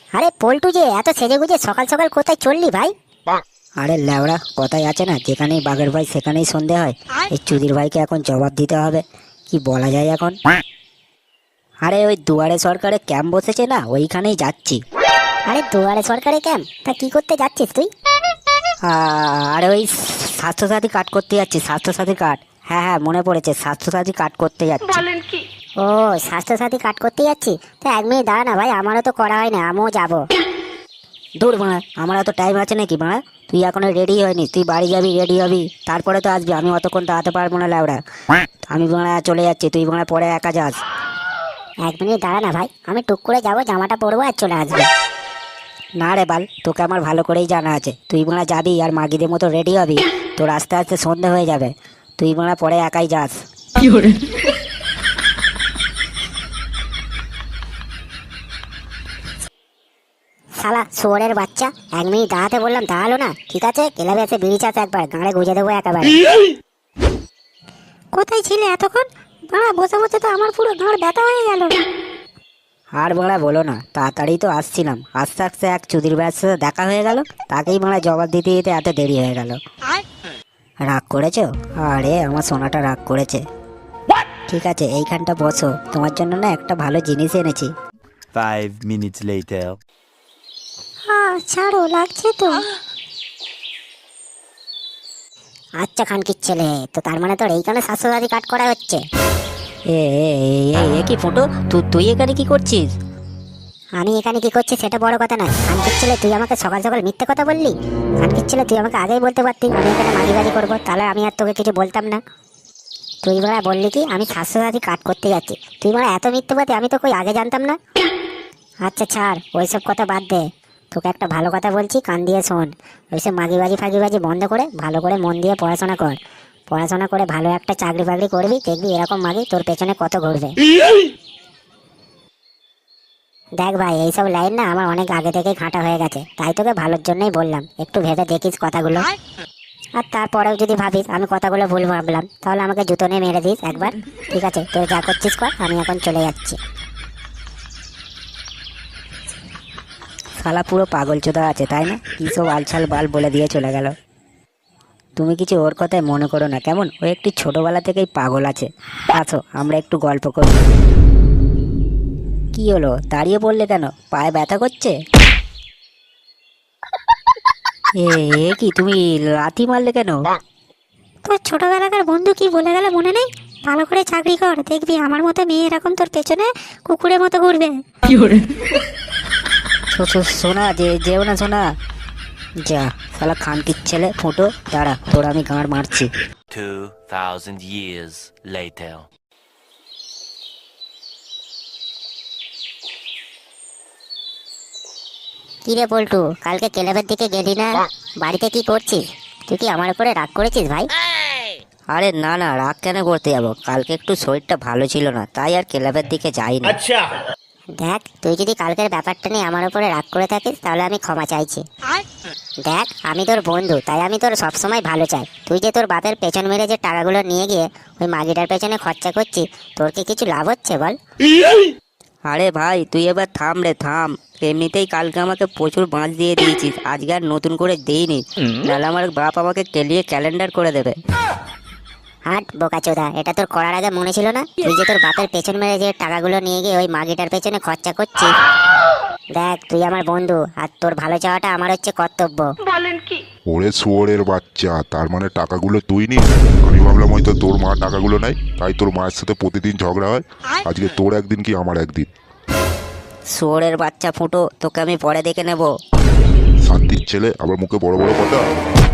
আরে পল্টু যে এত সেজে গুজে সকাল সকাল কোথায় চললি ভাই? আরে ল্যাওড়া, কথাই আছে না, যেখানেই বাঘের ভাই সেখানেই সন্ধে হয়। এই চুদির ভাইকে এখন জবাব দিতে হবে, কি বলা যায় এখন। আরে ওই দুয়ারে সরকারে ক্যাম্প বসেছে না, ওইখানেই যাচ্ছি। আরে দুয়ারে সরকারি ক্যাম্প, তা কি করতে যাচ্ছিস তুই? আরে ওই স্বাস্থ্যসাথী কার্ড করতে যাচ্ছি, স্বাস্থ্যসাথী কার্ড। হ্যাঁ হ্যাঁ, মনে পড়েছে, স্বাস্থ্যসাথী কার্ড করতে যাচ্ছি। ও স্বাস্থ্যসাথী কার্ড করতে যাচ্ছি? তা 1 মিনিট দাঁড়া না ভাই, আমারও তো করা হয় না, আমিও যাবো। দূর বাড়া, আমার এত টাইম আছে নাকি বাড়া? তুই এখনো রেডি হয়নি, তুই বাড়ি যাবি, রেডি হবি, তারপরে তো আসবি। আমি অতক্ষণ দাঁড়াতে পারবো না ল্যাওড়া। আমি বাড়া চলে যাচ্ছি, তুই বাড়া পরে একা যাস। 1 মিনিট দাঁড়া না ভাই, আমি টুক করে যাবো, জামাটা পরবো আর চলে আসবো। না রে বাল, তোকে আমার ভালো করেই জানা আছে, তুই বাড়া যাবি আর মাগিদের মতো রেডি হবি, তোর আস্তে আস্তে সন্ধে হয়ে যাবে, তুই বাড়া পরে একাই যাস। শালা শুয়োরের বাচ্চা, 1 মিনিট দাঁড়াতে বললাম, দাঁড়ালো না। ঠিক আছে, ক্লাবে এসে বিড়ি চাষ একবার, গাঁড়ে গুঁজে দেবো একেবারে। কোথায় ছিলে এতক্ষণ? বাড়া বসে বসে তো আমার পুরো গাঁড় ব্যথা হয়ে গেল। আর বাড়া বলো না, তাড়াতাড়ি তো আসছিলাম, আস্তে আস্তে এক চুদির ভাইয়ের সাথে দেখা হয়ে গেল, তাকেই বাড়া জবাব দিতে দিতে এত দেরি হয়ে গেল। রাগ করেছো? আরে আমার সোনাটা রাগ করেছে। ঠিক আছে, এইখানটা বসো, তোমার জন্য না একটা ভালো জিনিস এনেছি। 5 minutes later. হ্যাঁ ছাড়ো, লাগছে তো। আচ্ছা খানকির ছেলে, তো তার মানে তোর এইখানে স্বাস্থ্যসাথী কার্ড করা হচ্ছে? এ এ এ, এ কি ফুটো, তুই এখানে কি করছিস? আমি এখানে কি করছি সেটা বড় কথা নয়। খানকির ছেলে, তুই আমাকে সকাল সকাল মিথ্যে কথা বললি। খানকির ছেলে, তুই আমাকে আগেই বলতে পারতি আমি এখানে মাগিবাজি করবো, তাহলে আমি আর তোকে কিছু বলতাম না। তুই বড়া বললি কি আমি স্বাস্থ্যসাথী কার্ড করতে যাচ্ছি, তুই বড়া এত মিথ্যেবাদী, আমি তো কই আগে জানতাম না। আচ্ছা ছাড়, ওইসব কথা বাদ দে। তোকে একটা ভালো কথা বলছি, কান দিয়ে শোন। ওইসব মাগিবাজি ফাগিবাজি বন্ধ করে ভালো করে মন দিয়ে পড়াশোনা কর। পড়াশোনা করে ভালো একটা চাকরি বাকরি করবি, দেখবি এরকম মাগি তোর পেছনে কত ঘুরবে। দেখ ভাই, এইসব লাইন না আমার অনেক আগে থেকেই ঘাঁটা হয়ে গেছে, তাই তোকে ভালোর জন্যই বললাম, একটু ভেবে দেখিস কথাগুলো। আর তারপরেও যদি ভাবিস আমি কথাগুলো ভুল ভাবলাম, তাহলে আমাকে জুতো নিয়ে মেরে দিস একবার। ঠিক আছে, তোর যা করছিস কর, আমি এখন চলে যাচ্ছি। শালা পুরো পাগল চোদা আছে তাই না, কি সব আলছাল বাল বলে দিয়ে চলে গেল। তুমি কিছু ওর কথায় মনে করো না কেমন, ও একটু ছোটবেলা থেকেই পাগল আছে। আসো আমরা একটু গল্প করি। কি হলো, দাঁড়িয়ে পড়লে কেন, পায়ে ব্যথা করছে? এ এ কি, তুমি লাথি মারলে কেন? তোর ছোটবেলাকার বন্ধু কি বলে গেল মনে নেই? ভালো করে চাকরি কর, দেখবি আমার মতো মেয়ে এরকম তোর পেছনে কুকুরের মতো ঘুরবে। সোনা, যেও না সোনা। যা শালা খানকির ছেলে ফুটো, দাঁড়া তোর আমি গাঁড় মারছি। 2000 years later. কি রে পল্টু, কালকে ক্লাবের দিকে গেলি না? বাড়িতে কি করছিস? তুই কি আমার উপরে রাগ করেছিস ভাই? আরে না না, রাগ কেন করতে যাবো, কালকে একটু শরীরটা ভালো ছিল না, তাই আর ক্লাবের দিকে যাইনি। দেখ, তুই যদি কালকের ব্যাপারটা নিয়ে আমার উপরে রাগ করে থাকিস, তাহলে আমি ক্ষমা চাইছি। দেখ, আমি তোর বন্ধু, তাই আমি তোর সবসময় ভালো চাই। তুই যে তোর বাপের পেছন মেরে যে টাকাগুলো নিয়ে গিয়ে ওই মাগিটার পেছনে খরচা করছিস, তোর কি কিছু লাভ হচ্ছে বল? আরে ভাই তুই এবার থাম রে থাম, এমনিতেই কালকে আমাকে প্রচুর বাঁচ দিয়ে দিয়েছিস, আজকে আর নতুন করে দেইনি, নাহলে আমার বাপ আমাকে কেলিয়ে ক্যালেন্ডার করে দেবে। হাট বোকাচোদা, এটা তোর করার আগে মনে ছিল না? তুই যে তোর বাপের পেছন মেরে যে টাকাগুলো নিয়ে গিয়ে ওই মাগিটার পেছনে খরচা করছিস। দেখ, তুই আমার বন্ধু, আর তোর ভালো চাওয়াটা আমার হচ্ছে কর্তব্য। ওরে শুয়োরের বাচ্চা, তার মানে টাকাগুলো তুই নিস? আমি ভাবলাম হয়তো তোর মা টাকাগুলো নেয়, তাই তোর মায়ের সাথে প্রতিদিন ঝগড়া হয়। আজকে তোর একদিন কি আমার একদিন। শুয়োরের বাচ্চা ফুটো, তোকে আমি পরে দেখে নেব। শান্তির ছেলে, আবার মুখে বড় বড় কথা।